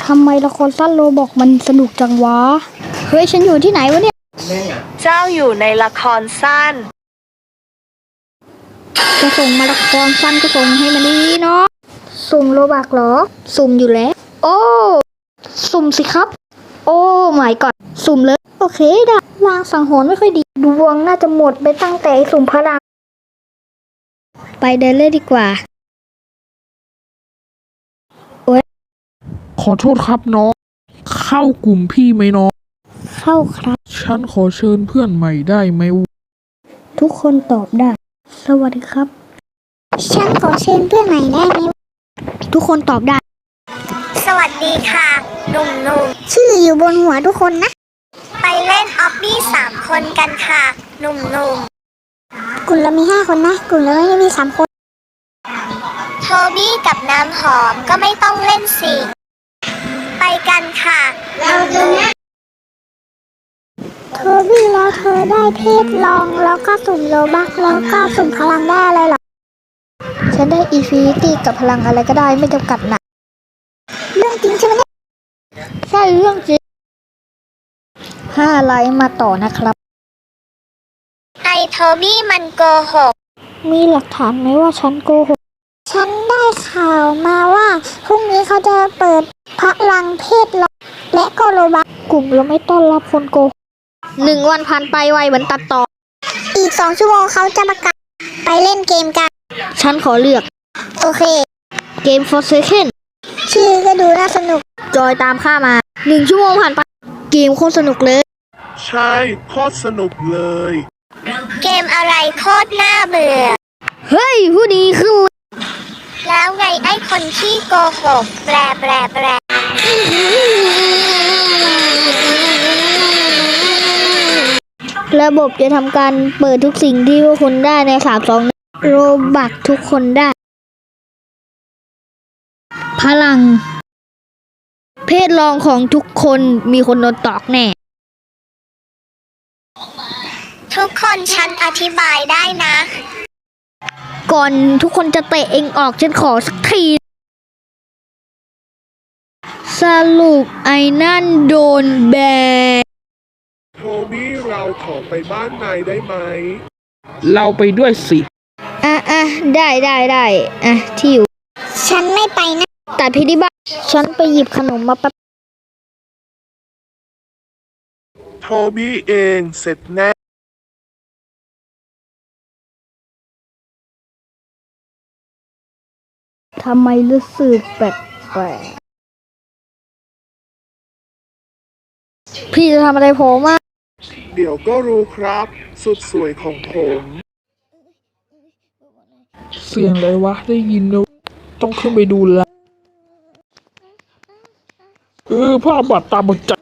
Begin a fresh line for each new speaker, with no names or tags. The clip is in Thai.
ทำไมละครสั้นโรบอกมันสนุกจังวะ เฮ้ยฉันอยู่ที่ไหนวะเนี่ย
เจ้าอยู่ในละครสั้น
จะส่งมาละครสั้นก็ส่งให้มันดีเนาะสุ่มโรบักเหรอ สุ่มอยู่แล้ว โอ้ สุ่มสิครับ โอ้ไม่ก่อนสุ่มเลย โอเคได้ลางสังหรณ์ไม่ค่อยดี ดวงน่าจะหมดไปตั้งแต่สุ่มพลัง ไปเดินเล่นดีกว่า
ขอโทษครับน้องเข้ากลุ่มพี่ไหมน้อง
เข้าครับ
ฉันขอเชิญเพื่อนใหม่ได้ไหม
ทุกคนตอบได้ สวัสดีครับ ฉันขอเชิญเพื่อนใหม่ได้ไหมทุกคนตอบได้
สวัสดีค่ะหนุ่ม
ชื่ออยู่บนหัวทุกคนนะ
ๆ ไปเล่นออบบี้3 คนกันค่ะ หนุ่ม
กลุ่มเรามี5 คนนะ กลุ่มเราไม่มี3 คน
ๆ โทบี้กับน้ำหอมก็ไม่ต้องเล่นสิไปกันค่ะเราจะนะ
เธอวิ่งแล้วเธอได้เพศลองแล้วก็สุ่มโลบักแล้วก็สุ่มพลังได้อะไรหรอ ฉันได้อีฟินิตี้กับพลังอะไรก็ได้ไม่จำกัดนะเรื่องจริงใช่ไหมเนี่ยใช่เรื่องจริง5 ไลค์มาต่อนะครับ
ไอโทบี้มันโกหก
มีหลักฐานไหมว่าฉันโกหก ฉันได้ข่าวมาว่าพรุ่งนี้เขาจะเปิดพลังเพศลองและก็โลบักกลุ่มเราไม่ต้อนรับคนโกหก1 วันผ่านไปไวเหมือนตัดต่อ อีก2 ชั่วโมงเขาจะประกาศไปเล่นเกมกัน ฉันขอเลือก โอเค เกม for second ชื่อก็ดูน่าสนุก จอยตามข้ามา 1 ชั่วโมงผ่านไป เกมโคตรสนุกเลย
ใช่โคตรสนุกเลย
เกมอะไรโคตรน่าเบื่อ
เฮ้ย ผู้ดีขึ้นเลย
แล้วไงไอคนที่โกหกแปล
ระบบจะทำการเปิดทุกสิ่งที่ทุกคนได้ใน3-2โรบักทุกคนได้ พลัง เพศรองของทุกคนมีคนโดนตอกแน่
ทุกคนฉันอธิบายได้นะ
ก่อนทุกคนจะเตะเองออกฉันขอสักที สรุปไอ้นั่นโดนแบน
โทบี้เราขอไปบ้านนายได้ไหม เราไปด้วยสิ
อ่ะได้อ่ะที่อยู่
ฉันไม่ไปนะ
แต่พี่ที่บ้านฉันไปหยิบขนมมาแป๊บ
โทบี้เองเสร็จแน่
ทำไมรู้สึกแปลกๆพี่จะทำอะไรผมอ่ะ
เดี๋ยวก็รู้ครับ สุดสวยของผม เสียงอะไรวะได้ยินแล้วต้องขึ้นไปดูละภาพบาดตาบอดใจ